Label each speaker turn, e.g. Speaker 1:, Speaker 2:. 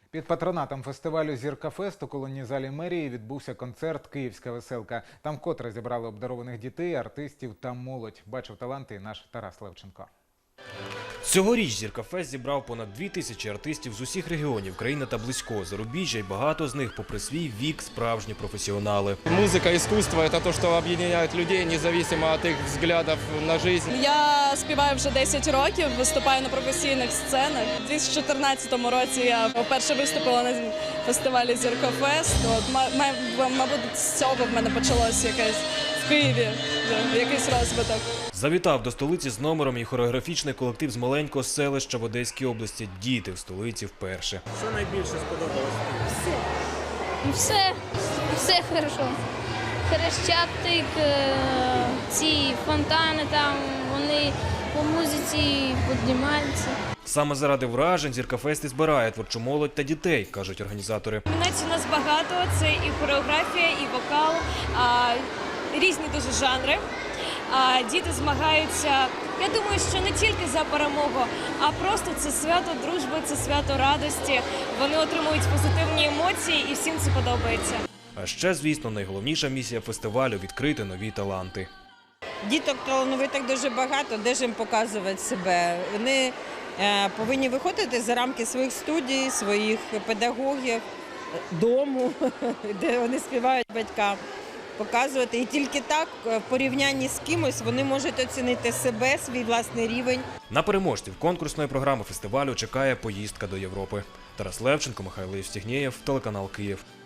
Speaker 1: Під патронатом фестивалю «Зірка-фест» у колонній залі мерії відбувся концерт «Київська веселка». Там вкотре зібрали обдарованих дітей, артистів та молодь. Бачив таланти і наш Тарас Левченко.
Speaker 2: Цьогоріч «Зірка-фест» зібрав понад 2000 артистів з усіх регіонів країни та близького зарубіжжя, і багато з них, попри свій вік, справжні професіонали.
Speaker 3: Музика, искусство – це те, що об'єднує людей, незалежно від їх поглядів на життя.
Speaker 4: Я співаю вже 10 років, виступаю на професійних сценах. У 2014 році я вперше виступила на фестивалі «Зірка-фест». Мабуть, з цього в мене почалось якесь в Києві, якийсь розвиток.
Speaker 2: Завітав до столиці з номером і хореографічний колектив з маленького селища в Одеській області. Діти в столиці вперше.
Speaker 5: Що найбільше сподобалось?
Speaker 6: Все хорошо. Хрещатик, ці фонтани там, вони по музиці піднімаються.
Speaker 2: Саме заради вражень «Зірка-фест» і збирає творчу молодь та дітей, кажуть організатори.
Speaker 7: Номінацій у нас багато, це і хореографія, і вокал, різні дуже жанри. Діти змагаються, я думаю, що не тільки за перемогу, а просто це свято дружби, це свято радості. Вони отримують позитивні емоції і всім це подобається.
Speaker 2: А ще, звісно, найголовніша місія фестивалю – відкрити нові таланти.
Speaker 8: Діток талановитих дуже багато, де ж їм показувати себе. Вони повинні виходити за рамки своїх студій, своїх педагогів, дому, де вони співають батькам. Показувати. І тільки так, в порівнянні з кимось, вони можуть оцінити себе, свій власний рівень.
Speaker 2: На переможців конкурсної програми фестивалю чекає поїздка до Європи. Тарас Левченко, Михайло Євстігнєєв, телеканал «Київ».